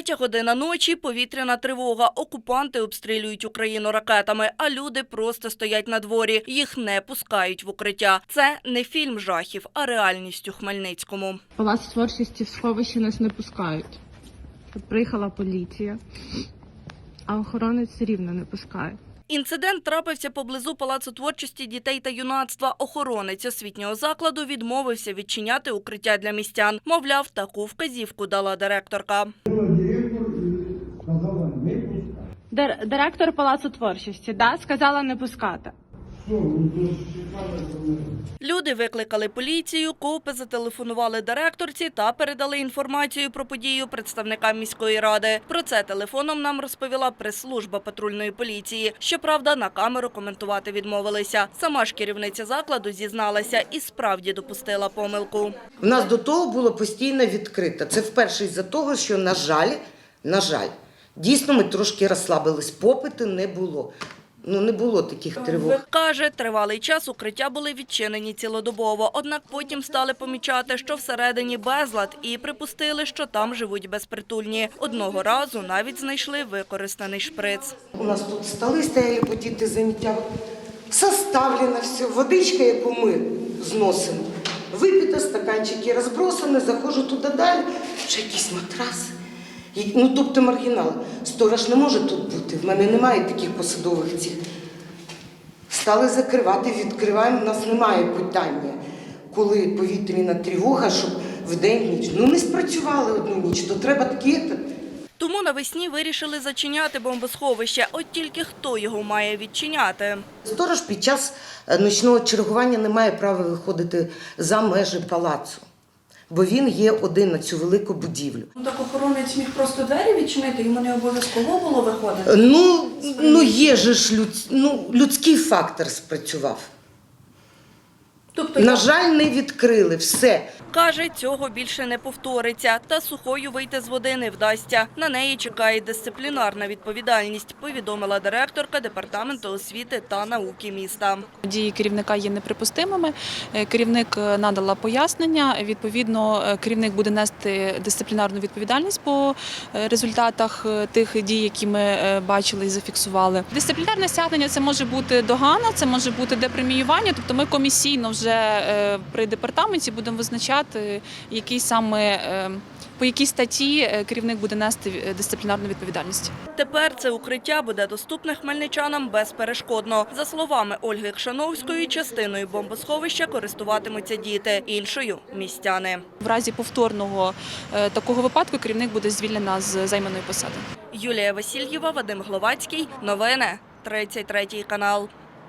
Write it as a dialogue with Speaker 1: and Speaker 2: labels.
Speaker 1: 3 година ночі, повітряна тривога. Окупанти обстрілюють Україну ракетами, а люди просто стоять на дворі. Їх не пускають в укриття. Це не фільм жахів, а реальність у Хмельницькому.
Speaker 2: Палац творчості в сховище нас не пускають. Тут приїхала поліція, а охоронець все рівно не пускає.
Speaker 1: Інцидент трапився поблизу Палацу творчості дітей та юнацтва. Охоронець освітнього закладу відмовився відчиняти укриття для містян. Мовляв, таку вказівку дала директорка.
Speaker 2: Директор Палацу творчості, сказала не пускати.
Speaker 1: Люди викликали поліцію, КОПи зателефонували директорці та передали інформацію про подію представникам міської ради. Про це телефоном нам розповіла прес-служба патрульної поліції. Щоправда, на камеру коментувати відмовилися. Сама ж керівниця закладу зізналася і справді допустила помилку.
Speaker 3: У нас до того було постійно відкрито. Це вперше із-за того, що, на жаль, дійсно ми трошки розслабились. Попиту не було. Не було таких тривог.
Speaker 1: Каже, тривалий час укриття були відчинені цілодобово. Однак потім стали помічати, що всередині безлад і припустили, що там живуть безпритульні. Одного разу навіть знайшли використаний шприц.
Speaker 3: У нас тут столи стояли по діти заняття. Составлено все, водичка, яку ми зносимо. Випито, стаканчики розбросані, заходжу туди далі, ще якісь матраси. Тобто маргінал. Сторож не може тут бути, в мене немає таких посадових цих. Стали закривати, відкриваємо, у нас немає питання, коли повітряна тривога, щоб вдень-ніч. Не спрацювали одну ніч, то треба такі.
Speaker 1: Тому навесні вирішили зачиняти бомбосховище. От тільки хто його має відчиняти?
Speaker 3: Сторож під час нічного чергування не має права виходити за межі палацу. Бо він є один на цю велику будівлю.
Speaker 1: Так охоронець міг просто двері відчинити, йому не обов'язково було виходити?
Speaker 3: Є ж людський фактор спрацював. На жаль, не відкрили, все.
Speaker 1: Каже, цього більше не повториться, та сухою вийти з води не вдасться. На неї чекає дисциплінарна відповідальність, повідомила директорка Департаменту освіти та науки міста.
Speaker 4: Дії керівника є неприпустимими. Керівник надала пояснення. Відповідно, керівник буде нести дисциплінарну відповідальність по результатах тих дій, які ми бачили і зафіксували. Дисциплінарне стягнення – це може бути догана, це може бути депреміювання. Тобто ми комісійно вже при департаменті будемо визначати, по якій статті керівник буде нести дисциплінарну відповідальність.
Speaker 1: Тепер це укриття буде доступне хмельничанам безперешкодно. За словами Ольги Кшановської, частиною бомбосховища користуватимуться діти, іншою – містяни.
Speaker 4: В разі повторного такого випадку керівник буде звільнена з займаної посади.
Speaker 1: Юлія Васильєва, Вадим Гловацький. Новини. 33 канал.